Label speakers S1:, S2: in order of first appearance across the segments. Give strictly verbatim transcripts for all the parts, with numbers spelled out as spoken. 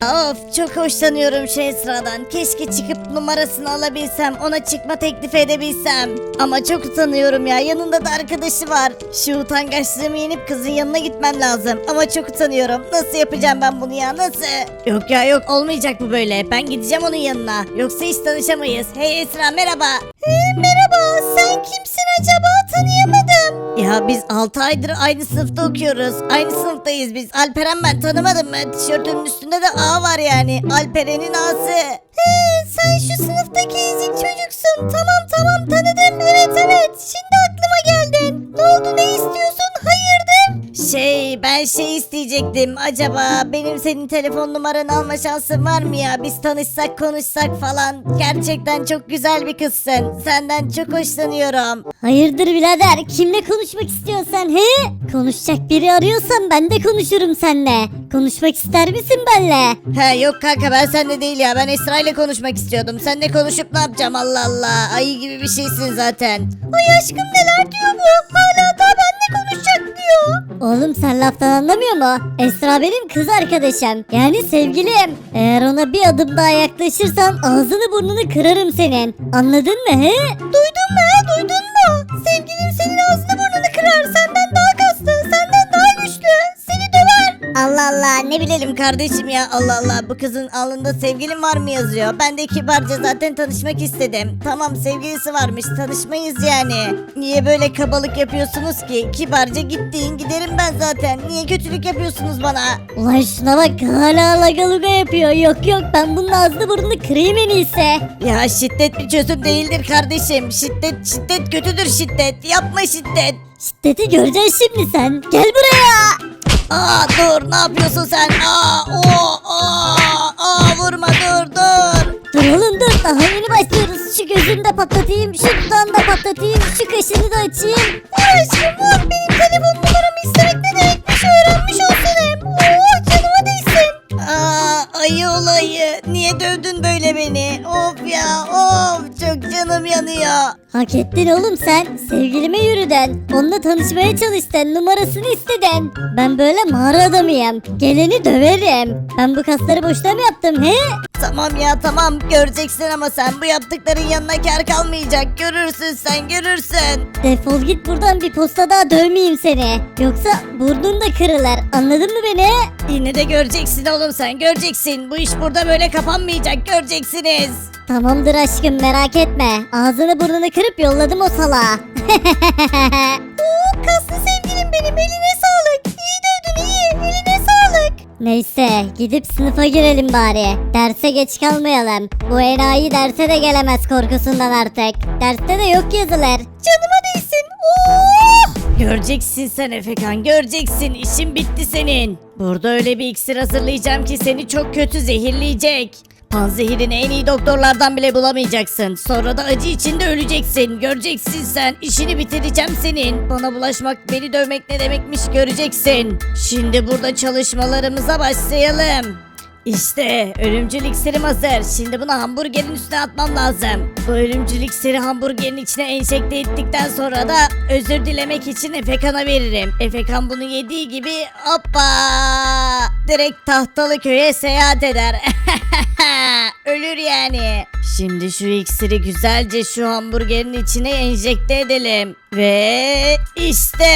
S1: Of, çok hoşlanıyorum şu Esra'dan. Keşke çıkıp numarasını alabilsem, ona çıkma teklif edebilsem. Ama çok utanıyorum ya, yanında da arkadaşı var. Şu utangaçlığımı yenip kızın yanına gitmem lazım. Ama çok utanıyorum. Nasıl yapacağım ben bunu ya, nasıl? Yok ya yok, olmayacak bu böyle. Ben gideceğim onun yanına. Yoksa hiç tanışamayız. Hey Esra, merhaba. He, merhaba, sen kimsin acaba, tanıyamadım. Ya biz altı aydır aynı sınıfta okuyoruz. Aynı sınıftayız biz. Alperen ben, tanımadın mı? Tişörtünün üstünde de A var yani. Alperen'in A'sı. He, sen şu sınıftaki ezik çocuksun. Tamam tamam, tanıdım. Evet evet, şimdi aklıma geldin. Ne oldu, ne istiyorsun? Hayırdır? Şey, ben şey isteyecektim. Acaba benim senin telefon numaranı alma şansın var mı ya? Biz tanışsak konuşsak falan. Gerçekten çok güzel bir kızsın. Senden çok hoşlanıyorum.
S2: Hayırdır birader, kimle konuşmak istiyorsun sen he? Konuşacak biri arıyorsan ben de konuşurum seninle. Konuşmak ister misin benle?
S1: He yok kanka, ben seninle değil ya. Ben Esra ile konuşmak istiyordum. Seninle konuşup ne yapacağım, Allah Allah. Ayı gibi bir şeysin zaten. Ay aşkım, neler diyor bu? Hala da benimle konuşacak diyor.
S2: Oğlum sen laftan anlamıyor mu? Esra benim kız arkadaşım. Yani sevgilim. Eğer ona bir adım daha yaklaşırsan ağzını burnunu kırarım senin. Anladın mı he?
S1: Duydun mu he, duydun mu? Sevgilim senin ağzını burnunu kırar. Senden daha kaslı, senden daha güçlü. Seni döver. Allah Allah, ne bilelim kardeşim ya, Allah Allah. Bu kızın alnında sevgilim var mı yazıyor. Ben de kibarca zaten tanışmak istedim. Tamam, sevgilisi varmış, tanışmayız yani. Niye böyle kabalık yapıyorsunuz ki? Kibarca gittiğin giderim ben zaten. Niye kötülük yapıyorsunuz bana?
S2: Ulan şuna bak, hala lagaluga yapıyor. Yok yok, ben bunun ağzını burnunu kırayım en iyisi.
S1: Ya şiddet bir çözüm değildir kardeşim. Şiddet şiddet kötüdür, şiddet. Yapma şiddet.
S2: Şiddeti göreceksin şimdi sen. Gel buraya.
S1: Aa dur, ne yapıyorsun sen? Aa o aa aa vurma, dur dur.
S2: Dur oğlum dur, daha yeni başlıyoruz. Şu gözünü de patlatayım, şu dudağını da patlatayım, şu kaşını da açayım.
S1: Vur aşkım vur, benim telefon numaramı istemek ne demekmiş öğrenmiş olsun hem. Oh, canıma değsin. Aa ayı olayı, niye dövdün böyle beni? Of ya of, çok canım yanıyor.
S2: Hak ettin oğlum sen. Sevgilime yürüdün. Onunla tanışmaya çalıştın. Numarasını istedin. Ben böyle mağara adamıyım. Geleni döverim. Ben bu kasları boşuna mı yaptım he?
S1: Tamam ya tamam, göreceksin ama sen bu yaptıkların yanına kar kalmayacak. Görürsün sen, görürsün.
S2: Defol git buradan, bir posta daha dövmeyeyim seni. Yoksa burnun da kırılır. Anladın mı beni?
S1: Yine de göreceksin oğlum, sen göreceksin. Bu iş burada böyle kapanmayacak, göreceksiniz.
S2: Tamamdır aşkım, merak etme. Ağzını burnunu kırıp yolladım o salağa.
S1: Oo, kaslı sevgilim benim, eline sağlık. İyi dövdün, iyi, eline sağlık.
S2: Neyse, gidip sınıfa girelim bari. Derse geç kalmayalım. Bu enayi derse de gelemez korkusundan artık. Derste de yok yazılar.
S1: Canıma değsin. Oo! Göreceksin sen Efekan, göreceksin. İşin bitti senin. Burada öyle bir iksir hazırlayacağım ki seni çok kötü zehirleyecek. Panzehirini en iyi doktorlardan bile bulamayacaksın. Sonra da acı içinde öleceksin. Göreceksin sen. İşini bitireceğim senin. Bana bulaşmak, beni dövmek ne demekmiş göreceksin. Şimdi burada çalışmalarımıza başlayalım. İşte ölümcül iksirim hazır. Şimdi bunu hamburgerin üstüne atmam lazım. Bu ölümcül iksiri hamburgerin içine enjekte ettikten sonra da özür dilemek için Efekan'a veririm. Efekan bunu yediği gibi hoppa direkt Tahtalı Köy'e seyahat eder. Ölür yani. Şimdi şu iksiri güzelce şu hamburgerin içine enjekte edelim. Ve işte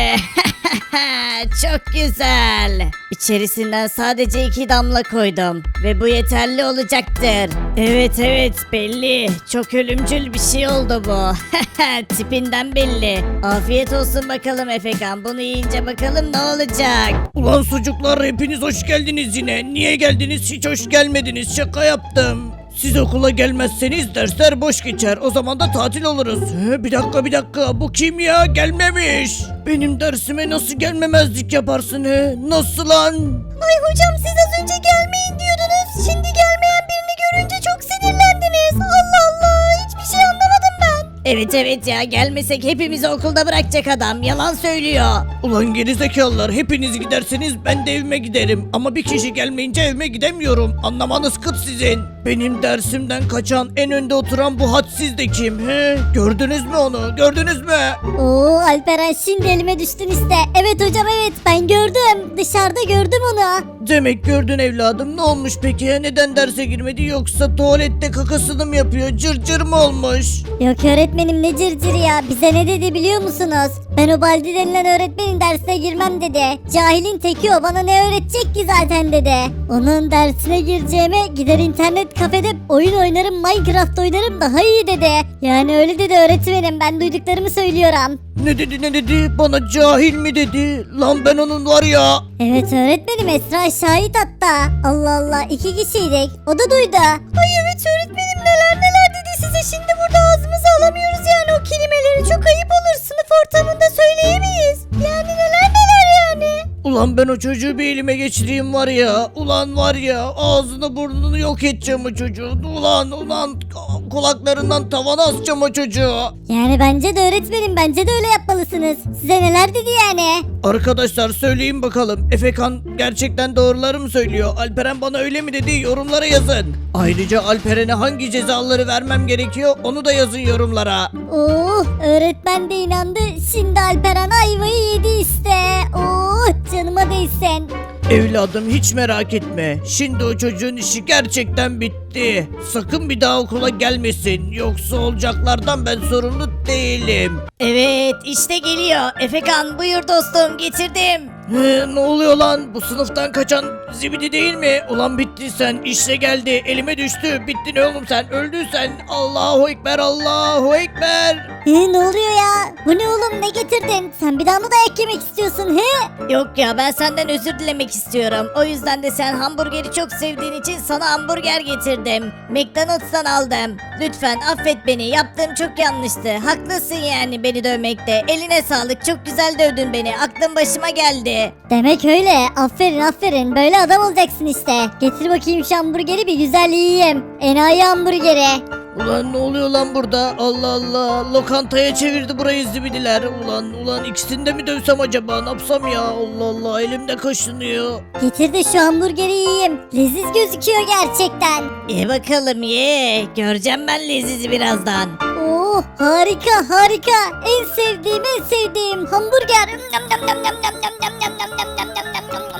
S1: çok güzel. İçerisinden sadece iki damla koydum. Ve bu yeterli olacaktır. Evet evet, belli. Çok ölümcül bir şey oldu bu. Tipinden belli. Afiyet olsun bakalım Efekan. Bunu yiyince bakalım ne olacak.
S3: Ulan sucuklar, hepiniz hoş geldiniz yine. Niye geldiniz? Hiç hoş gelmediniz. Şaka yaptım. Siz okula gelmezseniz dersler boş geçer. O zaman da tatil oluruz. He, bir dakika bir dakika. Bu kim ya? Gelmemiş. Benim dersime nasıl gelmemezlik yaparsın he? Nasıl lan?
S1: Ay hocam, siz az önce gelmeyin diyordunuz. Şimdi gelmeyen birini görünce çok sinirlendiniz. Allah Allah, hiçbir şey anlamadım ben. Evet evet ya, gelmesek hepimizi okulda bırakacak adam. Yalan söylüyor.
S3: Ulan gerizekalılar, hepiniz giderseniz ben de evime giderim. Ama bir kişi gelmeyince evime gidemiyorum. Anlamanız kıt sizin. Benim dersimden kaçan, en önde oturan bu hadsiz de kim? He? Gördünüz mü onu? Gördünüz mü?
S2: Oo Alperen şimdi elime düştün işte. Evet hocam evet ben gördüm. Dışarıda gördüm onu.
S3: Demek gördün evladım. Ne olmuş peki? Neden derse girmedi, yoksa tuvalette kakasını mı yapıyor? Cırcır mı olmuş?
S2: Yok öğretmenim ne cırcır ya. Bize ne dedi biliyor musunuz? Ben o Baldi denilen öğretmenin dersine girmem dedi. Cahilin teki o, bana ne öğretecek ki zaten dedi. Onun dersine gireceğime gider internet kafede oyun oynarım, Minecraft oynarım daha iyi dedi. Yani öyle dedi öğretmenim, ben duyduklarımı söylüyorum.
S3: Ne dedi ne dedi? Bana cahil mi dedi? Lan ben onun var ya.
S2: Evet öğretmenim, Esra şahit hatta. Allah Allah, iki kişiydik. O da duydu. Ay evet öğretmenim, neler neler dedi size, şimdi burada ağzımıza alamıyoruz yani o kelimeleri, çok ayıp olur, sınıf ortamında söyleyemeyiz. Yani neler neler yani.
S3: Ulan ben o çocuğu bir elime geçireyim var ya. Ulan var ya, ağzını burnunu yok edeceğim o çocuğun. Ulan ulan kulaklarından tavana asacağım o çocuğu.
S2: Yani bence de öğretmenim, bence de öyle yapmalısınız. Size neler dedi yani?
S3: Arkadaşlar söyleyin bakalım, Efekan gerçekten doğruları mı söylüyor? Alperen bana öyle mi dedi? Yorumlara yazın. Ayrıca Alperen'e hangi cezaları vermem gerekiyor onu da yazın yorumlara.
S2: Oh öğretmen de inandı. Şimdi Alperen ayvayı yedi işte. Oh canıma değsin.
S3: Evladım hiç merak etme. Şimdi o çocuğun işi gerçekten bitti. Sakın bir daha okula gelmesin. Yoksa olacaklardan ben sorumlu değilim.
S1: Evet işte geliyor. Efekan buyur dostum, getirdim.
S3: He, ne oluyor lan? Bu sınıftan kaçan zibidi değil mi? Ulan bittin sen. İşte geldi. Elime düştü. Bittin oğlum sen. Öldün sen. Allahu Ekber. Allahu Ekber.
S2: He, ne oluyor ya? Bu ne oğlum, ne getirdin? Sen bir daha mı dayak yemek istiyorsun he?
S1: Yok ya, ben senden özür dilemek istiyorum. O yüzden de sen hamburgeri çok sevdiğin için sana hamburger getirdim. McDonald's'tan aldım. Lütfen affet beni. Yaptığım çok yanlıştı. Haklısın yani beni dövmekte. Eline sağlık. Çok güzel dövdün beni. Aklım başıma geldi.
S2: Demek öyle. Aferin aferin. Böyle adam olacaksın işte. Getir bakayım şu hamburgeri bir güzel yiyeyim. Enayi hamburgeri.
S3: Ulan ne oluyor lan burada? Allah Allah. Lokantaya çevirdi burayı zibidiler. Ulan ulan ikisini de mi dövsem acaba? Ne yapsam ya? Allah Allah. Elimde kaşınıyor.
S2: Getir de şu hamburgeri yiyeyim. Leziz gözüküyor gerçekten.
S1: Ye bakalım ye. Göreceğim ben lezizi birazdan.
S2: Oh harika harika. En sevdiğim en sevdiğim hamburger. Nam nam nam nam nam nam nam nam nam nam nam nam nam nam.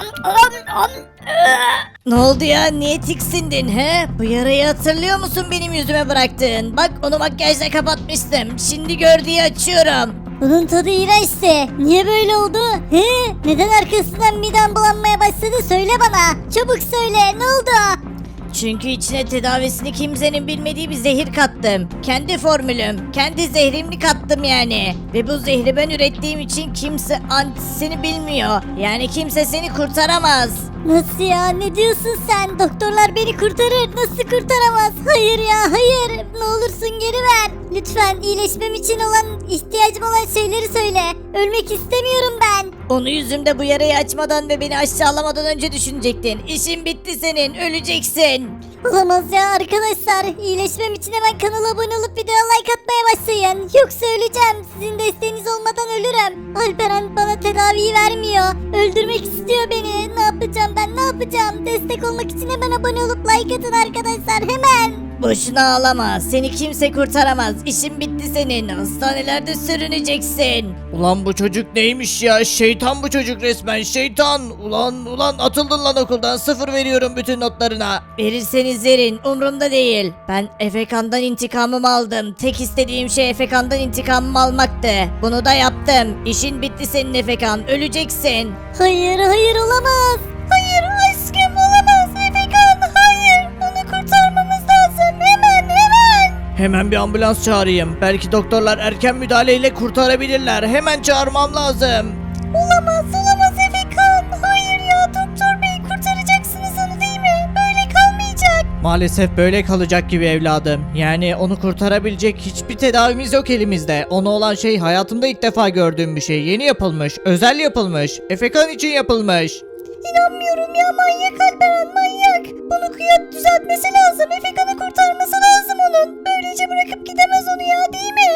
S1: Ne oldu ya? Niye tiksindin he? Bu yarayı hatırlıyor musun benim yüzüme bıraktığın? Bak onu makyajla kapatmıştım. Şimdi gör diye açıyorum.
S2: Bunun tadı iğrençti. Niye böyle oldu? He? Neden arkasından midem bulanmaya başladı? Söyle bana. Çabuk söyle. Ne oldu?
S1: Çünkü içine tedavisini kimsenin bilmediği bir zehir kattım. Kendi formülüm, kendi zehrimli kattım yani. Ve bu zehri ben ürettiğim için kimse antisini bilmiyor. Yani kimse seni kurtaramaz.
S2: Nasıl ya? Ne diyorsun sen? Doktorlar beni kurtarır. Nasıl kurtaramaz? Hayır ya hayır. Ne olursun geri ver. Lütfen iyileşmem için olan, ihtiyacım olan şeyleri söyle. Ölmek istemiyorum ben.
S1: Onu yüzümde bu yarayı açmadan ve beni aşağılamadan önce düşünecektin. İşin bitti senin, öleceksin.
S2: Olamaz ya arkadaşlar. İyileşmem için hemen kanala abone olup videoya like atmaya başlayın. Yoksa öleceğim. Sizin desteğiniz olmadan ölürüm. Alperen bana tedaviyi vermiyor. Öldürmek istiyor beni. Ne yapacağım ben, ne yapacağım? Destek olmak için hemen abone olup like atın arkadaşlar, hemen.
S1: Boşuna ağlama. Seni kimse kurtaramaz. İşin bitti senin. Hastanelerde sürüneceksin.
S3: Ulan bu çocuk neymiş ya? Şeytan bu çocuk resmen. Şeytan. Ulan ulan atıldın lan okuldan. Sıfır veriyorum bütün notlarına.
S1: Verirseniz verin. Umurumda değil. Ben Efekan'dan intikamımı aldım. Tek istediğim şey Efekan'dan intikamımı almaktı. Bunu da yaptım. İşin bitti senin Efekan. Öleceksin.
S2: Hayır hayır olamaz. Hayır aşkım olamaz. Efekan hayır. Onu kurtarmamız lazım. Hemen hemen.
S3: Hemen bir ambulans çağırayım. Belki doktorlar erken müdahaleyle kurtarabilirler. Hemen çağırmam lazım.
S2: Olamaz olamaz Efekan. Hayır ya doktor bey, kurtaracaksınız onu değil mi? Böyle kalmayacak.
S3: Maalesef böyle kalacak gibi evladım. Yani onu kurtarabilecek hiçbir tedavimiz yok elimizde. Ona olan şey hayatımda ilk defa gördüğüm bir şey. Yeni yapılmış, özel yapılmış. Efekan için yapılmış.
S2: İnanmıyorum ya, manyak Alperen manyak. Bunu kıyat düzeltmesi lazım. Efekan'ı kurtarması lazım onun. Böylece bırakıp gidemez onu ya, değil mi?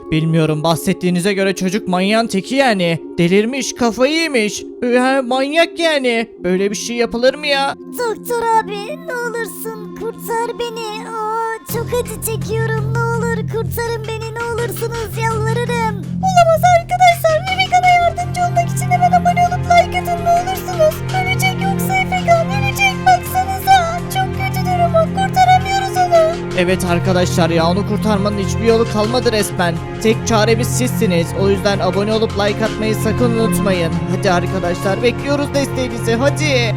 S3: Bilmiyorum, bahsettiğinize göre çocuk manyağın teki yani. Delirmiş, kafayı yemiş. Ee, manyak yani. Böyle bir şey yapılır mı ya?
S2: Doktor abi ne olursun kurtar beni. Aa, çok acı çekiyorum, ne olur kurtarın beni, ne olursunuz, yalvarırım. Olamaz arkadaşlar, Efekan'a yardımcı olmak için hemen abone olup like atın ne olursunuz. Ölecek yoksa Efekan ölecek, baksanıza çok kötü durumu, kurtaramıyoruz onu.
S3: Evet arkadaşlar ya, onu kurtarmanın hiçbir yolu kalmadı resmen. Tek çaremiz sizsiniz. O yüzden abone olup like atmayı sakın unutmayın. Hadi arkadaşlar, bekliyoruz desteğinizi, hadi.